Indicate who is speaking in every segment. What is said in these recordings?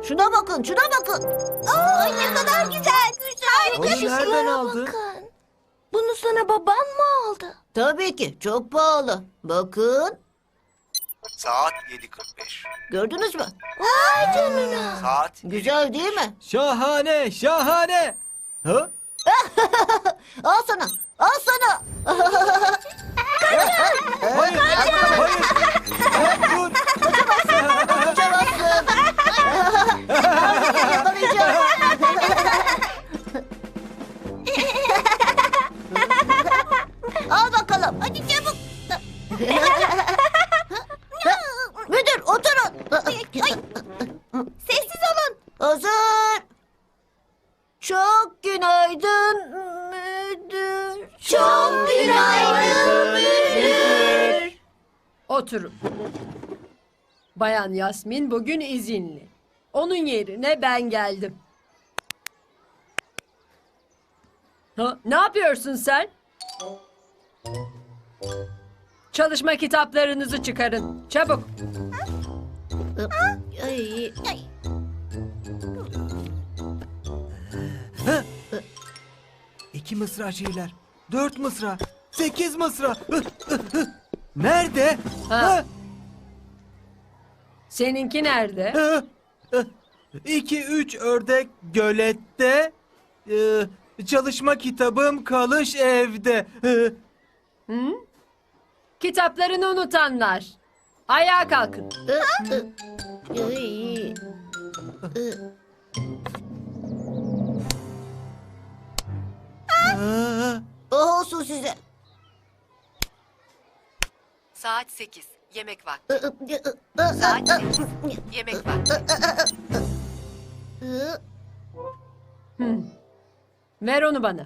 Speaker 1: Şuna bakın, şuna bakın. Ay ne kadar güzel.
Speaker 2: Onu nereden aldın?
Speaker 3: Bakın. Bunu sana baban mı aldı?
Speaker 1: Tabii ki, çok pahalı. Bakın,
Speaker 4: Saat 7.45.
Speaker 1: gördünüz mü?
Speaker 3: Vay canına.
Speaker 4: Saat
Speaker 1: Güzel değil mi?
Speaker 2: Şahane, şahane. Ha?
Speaker 1: Al sana, al sana.
Speaker 2: Hayır, hayır. Dur.
Speaker 1: Kaçamazsın. Seni yakalayacağım. Al bakalım. Hadi çabuk. Müdür oturun. Sessiz olun. Hazır. Çok günaydın müdür. Çok günaydın müdür.
Speaker 5: Oturun. Bayan Yasmin bugün izinli. Onun yerine ben geldim. Ha, ne yapıyorsun sen? Çalışma kitaplarınızı çıkarın. Çabuk.
Speaker 1: Ay, ay.
Speaker 2: İki mısra şiirler. 4 mısra. 8 mısra. Nerede?
Speaker 5: Ha. Seninki nerede?
Speaker 2: 2 3 ördek gölette. Çalışma kitabım kalış evde.
Speaker 5: Kitaplarını unutanlar. Ayağa kalkın.
Speaker 1: Ay. Olsun size.
Speaker 6: Saat 8. Yemek vakti. Saat 8. Yemek vakti.
Speaker 5: Ver onu bana.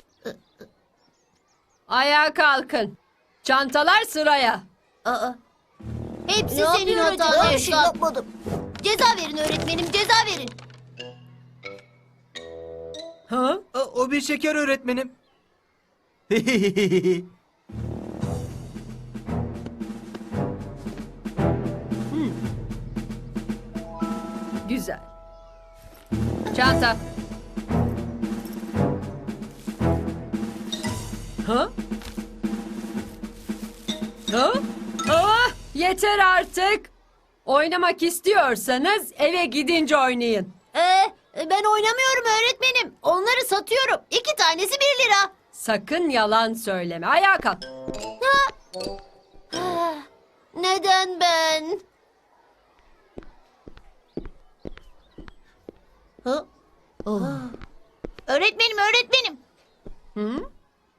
Speaker 5: Ayağa kalkın. Çantalar sıraya.
Speaker 3: Hepsi
Speaker 1: Ne
Speaker 3: senin
Speaker 1: yapıyorum?
Speaker 3: hatan
Speaker 1: Ben bir şey
Speaker 3: Esat.
Speaker 1: yapmadım.
Speaker 3: Ceza verin öğretmenim, ceza verin.
Speaker 5: Ha?
Speaker 2: O bir şeker öğretmenim.
Speaker 5: Güzel. Çanta. Ha? Ha? Ah, yeter artık. Oynamak istiyorsanız eve gidince oynayın.
Speaker 3: Ben oynamıyorum öğretmenim. Onları satıyorum. 2 tanesi 1 lira.
Speaker 5: Sakın yalan söyleme. Ayağa kalk.
Speaker 3: Neden ben? Öğretmenim, öğretmenim.
Speaker 5: Hı?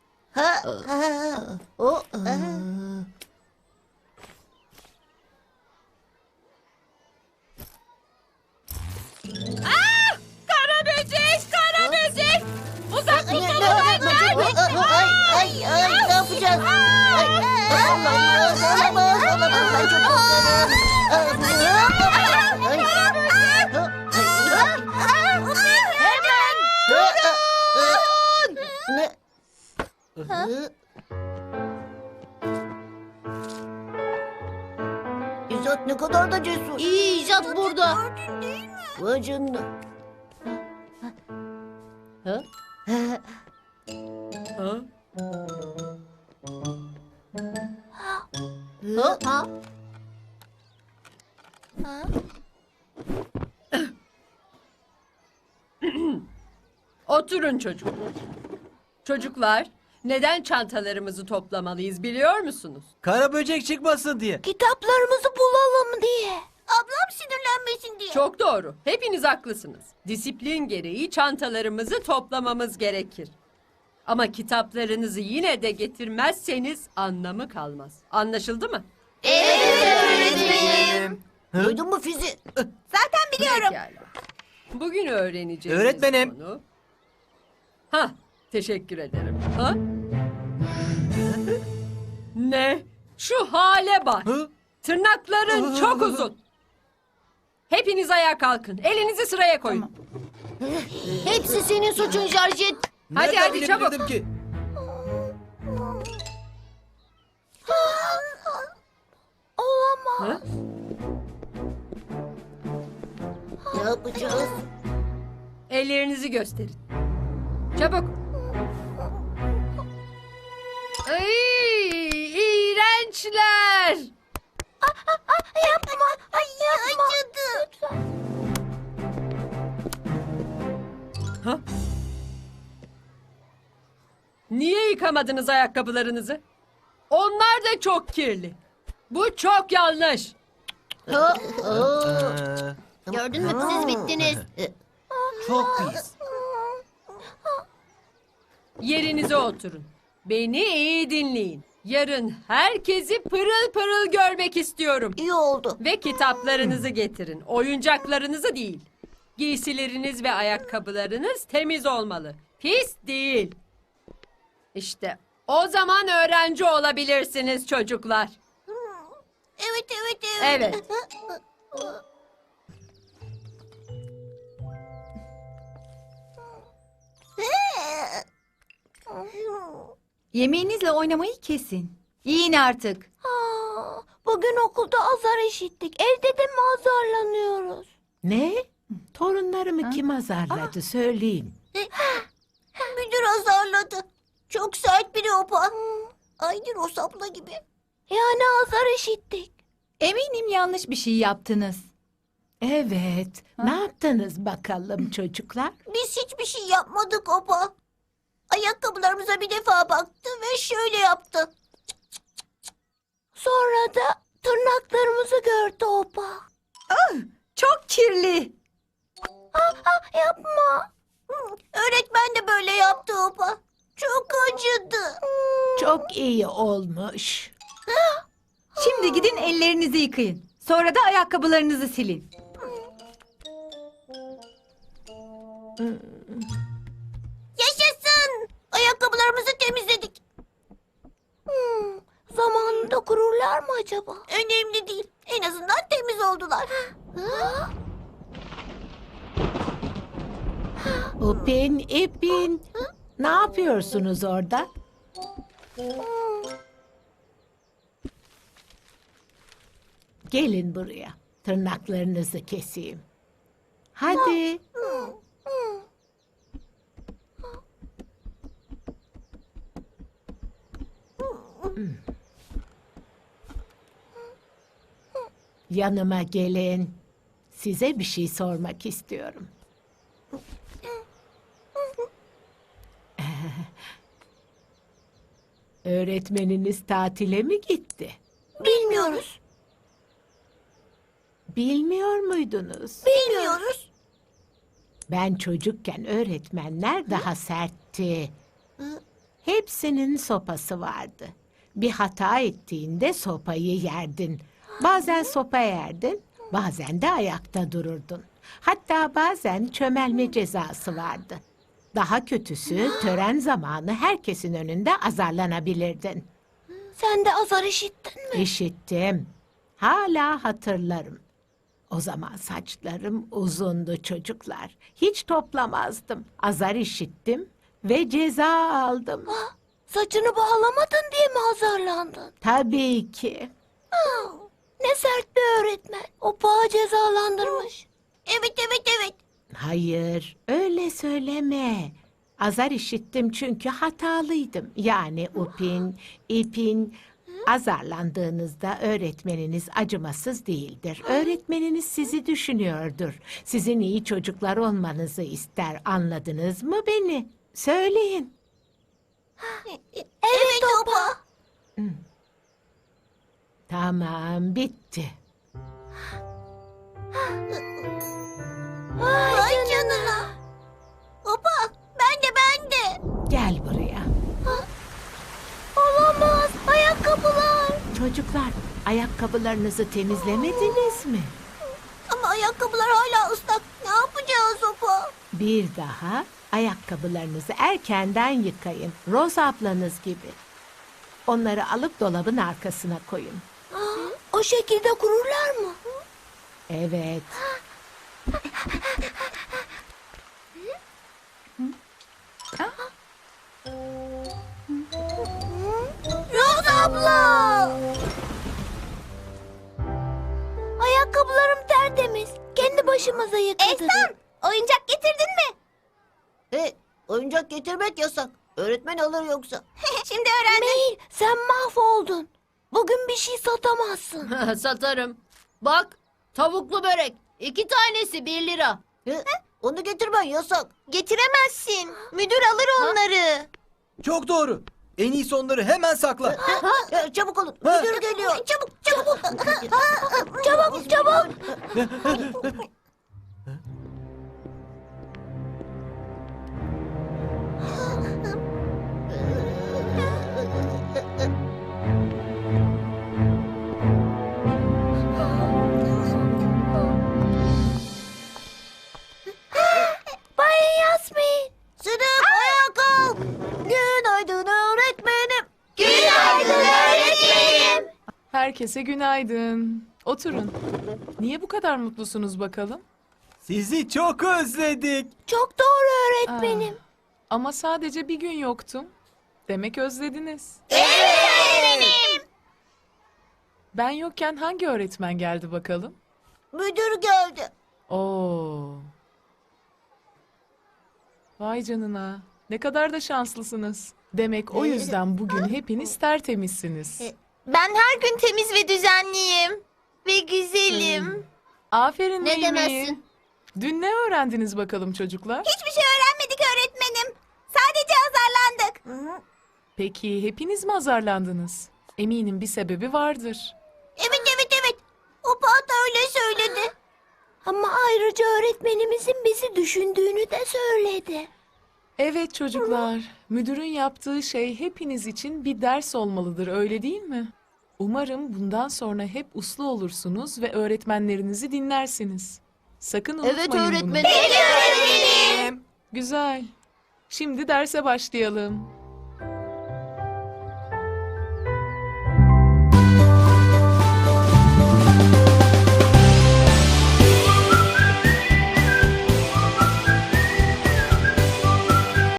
Speaker 5: Kara böcek, kara böcek. Uzak
Speaker 1: Ay, ne yapacağız? Ay, olamaz, olamaz, olamaz. Ben çok korkarım. İzzet ne kadar da cesur.
Speaker 3: İyi icat burada.
Speaker 1: Vay canına.
Speaker 5: Ha?
Speaker 3: Ha?
Speaker 5: Oturun çocuk. Çocuklar, neden çantalarımızı toplamalıyız biliyor musunuz?
Speaker 2: Kara böcek çıkmasın diye.
Speaker 3: Kitaplarımızı bulalım diye.
Speaker 1: Ablam sinirlenmesin diye.
Speaker 5: Çok doğru. Hepiniz haklısınız. Disiplin gereği çantalarımızı toplamamız gerekir. Ama kitaplarınızı yine de getirmezseniz anlamı kalmaz. Anlaşıldı mı?
Speaker 1: Duydun mu Fizi?
Speaker 3: Zaten biliyorum.
Speaker 5: Pekala. Bugün öğreneceğimiz
Speaker 2: Öğretmenim.
Speaker 5: konu... Ha, teşekkür ederim. Ha? Ne? Şu hale bak.
Speaker 2: Hı?
Speaker 5: Tırnakların çok uzun. Hepiniz ayağa kalkın. Elinizi sıraya koyun.
Speaker 3: Hepsi senin suçun Jarjet.
Speaker 5: Hadi,
Speaker 2: Nereden
Speaker 5: hadi, çabuk.
Speaker 2: bilebilirdim ki?
Speaker 3: Olamaz.
Speaker 5: Ha?
Speaker 1: Ne yapacağız?
Speaker 5: Ellerinizi gösterin. Çabuk. Ay, iğrençler.
Speaker 1: Yapma. Ay yapma. Acıdı.
Speaker 5: Ha? Niye yıkamadınız ayakkabılarınızı? Onlar da çok kirli. Bu çok yanlış.
Speaker 3: Gördün mü siz bittiniz.
Speaker 2: Çok pis.
Speaker 5: Yerinize oturun. Beni iyi dinleyin. Yarın herkesi pırıl pırıl görmek istiyorum.
Speaker 1: İyi oldu.
Speaker 5: Ve kitaplarınızı getirin. Oyuncaklarınızı değil. Giysileriniz ve ayakkabılarınız temiz olmalı. Pis değil. İşte o zaman öğrenci olabilirsiniz çocuklar.
Speaker 1: Evet.
Speaker 5: Evet.
Speaker 7: Yemeğinizle oynamayı kesin. Yiyin artık.
Speaker 1: Bugün okulda azar işittik. Evde de mi azarlanıyoruz?
Speaker 8: Ne? Torunlarımı kim azarladı söyleyin.
Speaker 1: Müdür azarladı. Çok sert biri o pa. Aynı Rosabla gibi. Yani azar işittik.
Speaker 7: Eminim yanlış bir şey yaptınız.
Speaker 8: Evet. Ne yaptınız bakalım çocuklar?
Speaker 1: Biz hiçbir şey yapmadık opa. Ayakkabılarımıza bir defa baktı ve şöyle yaptı. Sonra da tırnaklarımızı gördü opa.
Speaker 7: Çok kirli.
Speaker 1: Yapma. Öğretmen de böyle yaptı opa. Çok acıdı.
Speaker 8: Çok iyi olmuş.
Speaker 7: Şimdi gidin ellerinizi yıkayın. Sonra da ayakkabılarınızı silin.
Speaker 1: Yaşasın. Ayakkabılarımızı temizledik. Zamanında kururlar mı acaba? Önemli değil. En azından temiz oldular.
Speaker 8: Upin, ipin. Ne yapıyorsunuz orada? Gelin buraya. Tırnaklarınızı keseyim. Hadi. Yanıma gelin. Size bir şey sormak istiyorum. Öğretmeniniz tatile mi gitti?
Speaker 1: Bilmiyoruz.
Speaker 8: Bilmiyor muydunuz?
Speaker 1: Bilmiyoruz.
Speaker 8: Ben çocukken öğretmenler daha sertti. Hepsinin sopası vardı. Bir hata ettiğinde sopayı yerdin. Bazen sopa yerdin, bazen de ayakta dururdun. Hatta bazen çömelme cezası vardı. Daha kötüsü tören zamanı herkesin önünde azarlanabilirdin.
Speaker 1: Sen de azar işittin mi?
Speaker 8: İşittim. Hala hatırlarım. O zaman saçlarım uzundu çocuklar. Hiç toplamazdım. Azar işittim ve ceza aldım.
Speaker 1: Saçını bağlamadın diye mi azarlandın?
Speaker 8: Tabii ki.
Speaker 1: Ne sert bir öğretmen. O paha cezalandırmış. Evet.
Speaker 8: Hayır, öyle söyleme. Azar işittim çünkü hatalıydım. Yani upin, ipin. Azarlandığınızda öğretmeniniz acımasız değildir. Öğretmeniniz sizi düşünüyordur. Sizin iyi çocuklar olmanızı ister. Anladınız mı beni? Söyleyin.
Speaker 1: Evet opa.
Speaker 8: Tamam, bitti.
Speaker 1: Vay canına. Opa ben de.
Speaker 8: Gel buraya.
Speaker 1: Olamaz. Ayakkabılar.
Speaker 8: Çocuklar, ayakkabılarınızı temizlemediniz mi?
Speaker 1: Ama ayakkabılar hala ıslak. Ne yapacağız opa?
Speaker 8: Bir daha ayakkabılarınızı erkenden yıkayın. Rose ablanız gibi. Onları alıp dolabın arkasına koyun.
Speaker 1: O şekilde kururlar mı?
Speaker 8: Evet.
Speaker 1: Rose abla. Ayakkabılarım tertemiz. Kendi başıma başımıza yıkadı. Ehsan, oyuncak getirdin mi? Oyuncak getirmek yasak. Öğretmen alır yoksa. Şimdi öğrendim. Mail, sen mahvoldun. Bugün bir şey satamazsın.
Speaker 3: Satarım. Bak, tavuklu börek. 2 tanesi 1 lira.
Speaker 1: Onu getirmen yasak. Getiremezsin. Müdür alır onları.
Speaker 2: Çok doğru. En iyisi onları hemen sakla.
Speaker 1: Çabuk olun. Müdür geliyor. Çabuk, çabuk. Çabuk, çabuk. Bay Yasmin. Sınıf ayağa kalk. Günaydın öğretmenim. Günaydın öğretmenim.
Speaker 9: Herkese günaydın. Oturun. Niye bu kadar mutlusunuz bakalım?
Speaker 2: Sizi çok özledik.
Speaker 1: Çok doğru öğretmenim.
Speaker 9: Ama sadece bir gün yoktum. Demek özlediniz.
Speaker 1: Öğretmenim.
Speaker 9: Ben yokken hangi öğretmen geldi bakalım?
Speaker 1: Müdür geldi.
Speaker 9: Oo. Vay canına. Ne kadar da şanslısınız. Demek o yüzden bugün hepiniz tertemizsiniz.
Speaker 1: Ben her gün temiz ve düzenliyim. Ve güzelim.
Speaker 9: Aferin
Speaker 3: Ne
Speaker 9: Mimi.
Speaker 3: demezsin?
Speaker 9: Dün ne öğrendiniz bakalım çocuklar?
Speaker 1: Hiçbir şey öğrenmedik öğretmenim. Sadece azarlandık.
Speaker 9: Peki hepiniz mi azarlandınız? Eminim bir sebebi vardır.
Speaker 1: Evet. O da öyle söyledi. Ama ayrıca öğretmenimizin bizi düşündüğünü de söyledi.
Speaker 9: Evet çocuklar, müdürün yaptığı şey hepiniz için bir ders olmalıdır, öyle değil mi? Umarım bundan sonra hep uslu olursunuz ve öğretmenlerinizi dinlersiniz. Sakın unutmayın
Speaker 3: Evet
Speaker 9: bunu.
Speaker 3: öğretmenim.
Speaker 1: Öğretmenim.
Speaker 9: Güzel. Şimdi derse başlayalım.